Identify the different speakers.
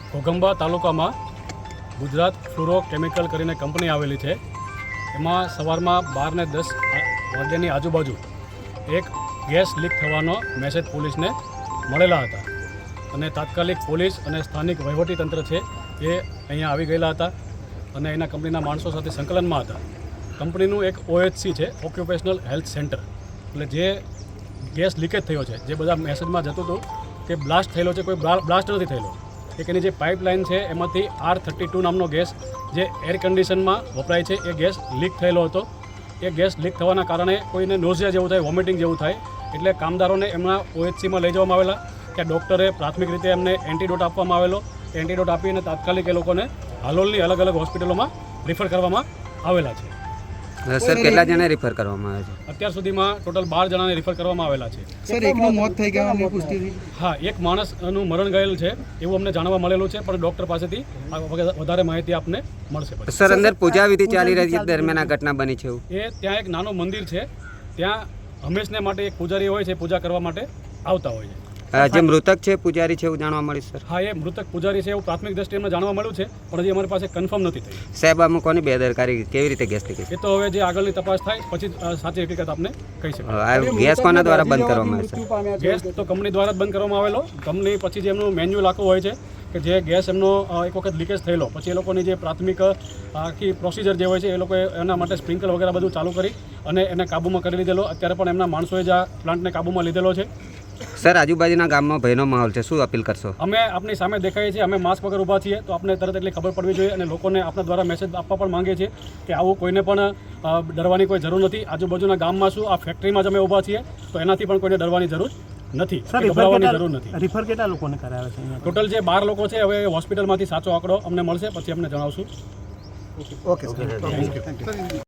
Speaker 1: ઘોઘંબા તાલુકામાં Gujarat fluoro chemical કરીને company આવેલી છે. એમાં સવારમાં 12 ને 10 વાગ્યાની આજુબાજુ એક ગેસ લીક થવાનો મેસેજ પોલીસને મળેલા હતા અને તાત્કાલિક પોલીસ અને સ્થાનિક વહીવટીતંત્ર છે એ અહીંયા આવી ગયેલા હતા અને એના કંપનીના માણસો સાથે સંકલનમાં હતા. કંપનીનું એક OHC છે, ઓક્યુપેશનલ હેલ્થ સેન્ટર. એટલે જે ગેસ લીકેજ થયો છે, જે બધા મેસેજમાં જતું હતું કે બ્લાસ્ટ થયેલો છે, કોઈ બ્લાસ્ટ નથી થયેલો. એક એની જે પાઇપલાઇન છે એમાંથી R32 નામનો ગેસ જે એર કન્ડિશનમાં વપરાય છે એ ગેસ લીક થયેલો હતો. એ ગેસ લીક થવાના કારણે કોઈને નોઝિયા જેવું થાય, વોમિટિંગ જેવું થાય, એટલે કામદારોને એમના OHCમાં લઈ જવામાં આવેલા. ત્યાં ડૉક્ટરે પ્રાથમિક રીતે એમને એન્ટીડોટ આપવામાં આવેલો. એન્ટીડોટ આપીને તાત્કાલિક એ લોકોને હાલોલની અલગ અલગ હોસ્પિટલોમાં રિફર કરવામાં આવેલા છે.
Speaker 2: સર કેટલા જણા રિફર કરવામાં આવે છે?
Speaker 1: અત્યાર સુધીમાં ટોટલ 12 જણાને રિફર કરવામાં આવેલા છે.
Speaker 3: સર, એકનું મોત થઈ ગયાની પુષ્ટિ થઈ?
Speaker 1: હા, એક માણસનું મરણ ગયેલ છે એવું અમને જાણવા મળેલું છે, પણ ડૉક્ટર પાસેથી વધારે માહિતી આપને મળશે.
Speaker 2: સર, અંદર પૂજા વિધિ ચાલી રહી છે દરમિયાન આ ઘટના બની છે?
Speaker 1: એ ત્યાં એક નાનું મંદિર છે, ત્યાં હંમેશને માટે એક પૂજારી હોય છે, પૂજા કરવા માટે આવતા હોય છે.
Speaker 2: જે મૃતક છે પૂજારી છે એવું જાણવા મળ્યું સર?
Speaker 1: હા, એ મૃતક પૂજારી છે એવું પ્રાથમિક દ્રષ્ટિએ અમને જાણવા મળ્યું છે, પણ હજી અમારી પાસે કન્ફર્મ નથી થઈ.
Speaker 2: સાહેબ, આમાં કોની બેદરકારી, કેવી રીતે ગેસ લીકેજ?
Speaker 1: એ તો હવે જે આગળની તપાસ થાય પછી સાચી હકીકત આપને કહી શકાય.
Speaker 2: આ ગેસ કોના દ્વારા બંધ કરવામાં આવે છે?
Speaker 1: ગેસ તો કંપની દ્વારા જ બંધ કરવામાં આવેલો. કંપની પછી જે એમનું મેન્યુઅલ આખું હોય છે કે જે ગેસ એમનો એક વખત લીકેજ થયેલો પછી એ લોકોની જે પ્રાથમિક આખી પ્રોસિજર જે હોય છે એ લોકોએ એના માટે સ્પ્રિંકલ વગેરે બધું ચાલુ કરી અને એને કાબૂમાં કરી લીધેલો. અત્યારે પણ એમના માણસોએ જ આ પ્લાન્ટને કાબૂમાં લીધેલો છે.
Speaker 2: સર, આજુબાજુના ગામમાં ભયનો માહોલ છે, શું અપીલ કરશો?
Speaker 1: અમે આપની સામે દેખાઈએ છીએ, અમે માસ્ક વગર ઊભા છીએ, તો આપણે તરત એટલી ખબર પડવી જોઈએ અને લોકોને આપણા દ્વારા મેસેજ આપવા પણ માંગીએ છીએ કે આવું કોઈને પણ ડરવાની કોઈ જરૂર નથી. આજુબાજુના ગામમાં શું, આ ફેક્ટરીમાં જ અમે ઊભા છીએ, તો એનાથી પણ કોઈને ડરવાની જરૂર નથી, ગભરાવાની જરૂર નથી.
Speaker 4: રિફર કેટલા લોકોને કરાવે છે?
Speaker 1: ટોટલ જે 12 લોકો છે, હવે હોસ્પિટલમાંથી સાચો આંકડો અમને મળશે પછી અમને જણાવશું.
Speaker 3: Okay, thank you.